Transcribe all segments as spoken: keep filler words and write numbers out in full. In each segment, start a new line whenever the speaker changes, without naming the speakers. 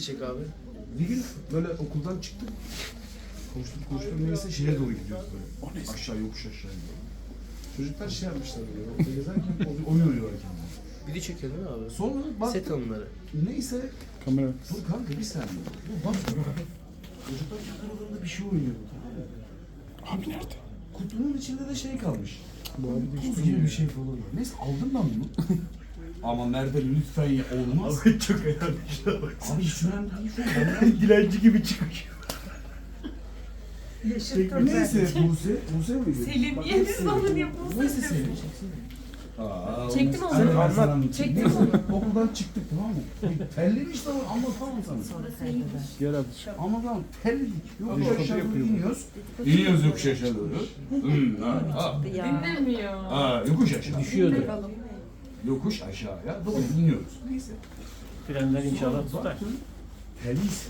çek abi.
Bir gün böyle okuldan çıktık. Koştuk koştuk neyse şeye doğru gidiyoruz böyle. Aşağı yokuş aşağı gidiyor. Çocuklar şey yapmışlar böyle. Orada gezerken o- oyun oynuyorlar kendine.
Video çekiyor değil mi abi?
Sonra baktık.
Set anıları.
Neyse.
Kamera.
Dur kanka bir saniye. Bu bak. Çocuklar kendi aralarında bir şey oynuyor. Tamam mı?
Abi nerede?
Kutunun içinde de şey kalmış.
Bu abi de
Tuz
işte
gibi
ya.
bir şey falan. Neyse aldım ben bunu. Ama Merve lütfen ya olmaz.
Abi çok önemli şey bak.
Abi hiç önemli değil şu an. Ben-
Dilenci gibi çıkıyor.
Neyse Buse, Buse miydi?
Selim,
Bak,
niye
hep
biz
Selim.
bana niye Buse
Neyse
diyorsun?
Selim. Aa,
Çektim
olmaz.
onu.
Sen
Anlat.
anlat.
Çektim
Neyse,
onu.
Okuldan çıktık tamam mı? Terlemiş tamam anlatamam sana.
Gel abi.
Ama tamam terledik. Yokuş
Dedikodu
aşağı doğru
yapıyor bu.
iniyoruz. İniyoruz yokuş aşağı doğru. Hmm, ha, ha.
Dinlemiyor.
Ha, yokuş aşağı.
Düşüyordu.
Yokuş aşağıya doğru iniyoruz. Neyse.
Frenler inşallah
Sonra
tutar.
baktım, terliyiz.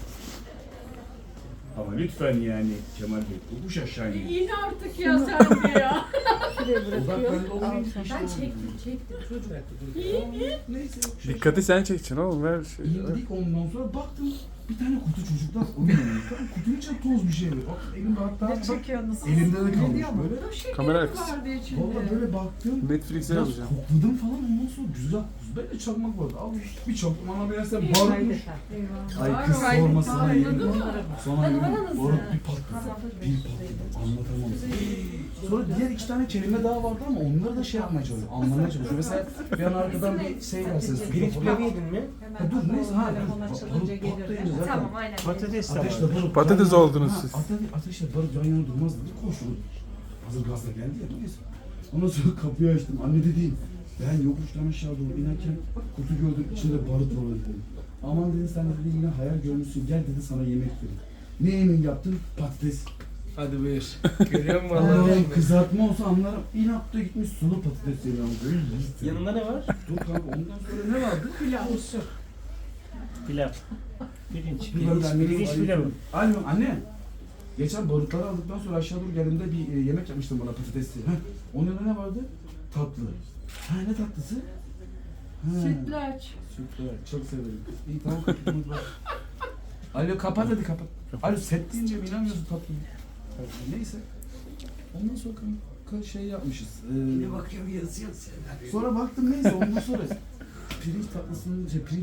Ama lütfen yani Kemal Bey yokuş aşağı iniyoruz.
İn artık ya sen de ya.
Odaklandı olmayınca bir şey
Ben
olmuyor.
çektim, çektim çocuk.
Neyse yokuş aşağı.
Dikkati sen çekeceksin oğlum ver şey.
İndik ondan sonra baktım bir tane kutu çocuklar oyun oynuyor. Tamam, kutunun içinde toz bir şey var. Bak elimde hatta
Ne
bak,
çekiyorsunuz?
elimde de kalmış böyle.
Kamera arkası.
vardı içinde.
Valla böyle baktım.
Netflix'e
Biraz
yazacağım.
kokladım falan ondan sonra güzel. Böyle çakmak vardı. Abi bir çakmak bana verirsen barutmuş. Ay kız
Var,
sorma
var,
sana
var,
yemin.
anladın mı?
Sonra
Ben
yemin
numaranızı.
barut bir patladı. Bir patladı. Anlatamam. Sonra diğer iki tane kelime daha vardı ama onları da şey yapmaya çalışıyor. Anlamaya çalışıyor. Mesela bir an arkadan bir şey gelse.
Pirinç pilavı yedin mi?
Ha, dur neyse ha.
Telefon
Barut
açılınca
patlayınca
gelir.
zaten.
Tamam aynen.
Patates de
Ateşle
var.
barut.
Patates
yan yana-
oldunuz
Ha,
siz.
ate- Ateşle barut yan yana durmaz dedi. Koştu. Hazır gazla geldi ya. Neyse. Ondan sonra kapıyı açtım. Anne dedi. Ben yokuştan aşağı doğru inerken kutu gördüm. İçinde barut var dedi. Aman dedi sen dedi yine hayal görmüşsün. Gel dedi sana yemek vereyim. Ne yemeği yaptın? Patates.
Hadi buyur. Görüyor musun
Allah'ım
Allah'ım?
kızartma olsa anlarım. İnatla gitmiş sulu patates yemeği almış.
Yanında ne var?
Dur kanka ondan sonra ne vardı?
Pilav.
Pilav. Pirinç.
Pilav
Pirinç,
annemiz
pirinç
arıyor.
pilavı.
Alo anne. Geçen barutları aldıktan sonra aşağı doğru geldiğimde bir e, yemek yapmıştım bana patatesli. Heh. Onun yanında ne vardı? Tatlı. Ha ne tatlısı? Ha.
Sütlaç.
Sütlaç. Çok severim. İyi tamam kapatalım. Alo kapat hadi kapat. Alo set deyince mi inanmıyorsun tatlı? Neyse. Ondan sonra kanka şey yapmışız. Ee,
Ne bakıyorum yazıyor sen.
sonra baktım neyse ondan sonra pirinç tatlısının şey pirinç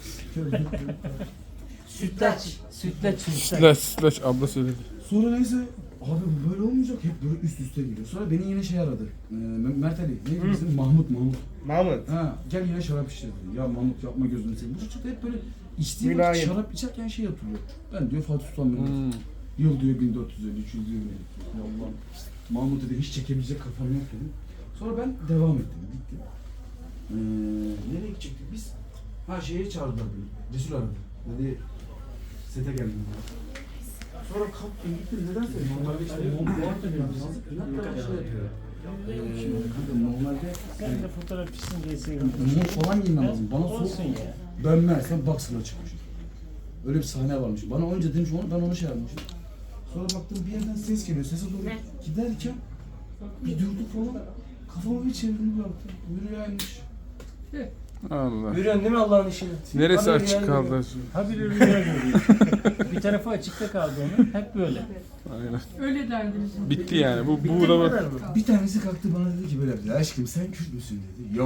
Sütlaç. Sütlaç. Sütlaç.
Slash slash abla söyledi.
Sonra neyse abi bu böyle olmayacak hep böyle üst üste geliyor. Sonra beni yine şey aradı. Ee, Mert Ali. Neydi bizim? Mahmut Mahmut.
Mahmut.
Ha gel yine şarap içeceğiz dedi. Ya Mahmut yapma gözünü seveyim. Bu çocuk da hep böyle içtiği vakit
Mülayim.
şarap içerken şey hatırlıyor. Ben diyor Fatih Sultan Mehmet.
Hmm.
Yıl diyor bin dört yüz elli üç yıl diyor. Ya Allah'ım. Mahmut dedi hiç çekebilecek kafam yok dedim. Sonra ben devam ettim. Gittim. Ee, nereye gidecektik biz? Ha şeye çağırdılar beni. Resul aradı. Dedi sete geldim. Sonra kalktım gittim. Neden söyleyeyim? Normalde işte muhabbet ediyoruz. İnatla şey yapıyor. Ee, kanka normalde
Sen de fotoğrafçısın diye sevindim.
mont falan giymem lazım. Bana soğuk
Olsun ya.
ben meğersem boxer'la çıkmışım. Öyle bir sahne varmış. Bana önce demiş onu, ben onu şey yapmışım. Sonra baktım bir yerden ses geliyor. Sese doğru giderken bir durduk falan. Kafamı bir çevirdim baktım. Rüyaymış.
Allah.
Görüyorsun değil mi Allah'ın işini?
Neresi
Abi
açık
rüya
kaldı?
görüyor.
Ha bir rüya görüyor. Bir tarafı açıkta kaldı onun. Hep böyle.
Aynen.
Öyle derdiniz.
Bitti yani. Bu
Bitti
bu
mi
da
kadar mı?
Bir tanesi kalktı bana dedi ki böyle aşkım sen Kürt müsün dedi. Yok.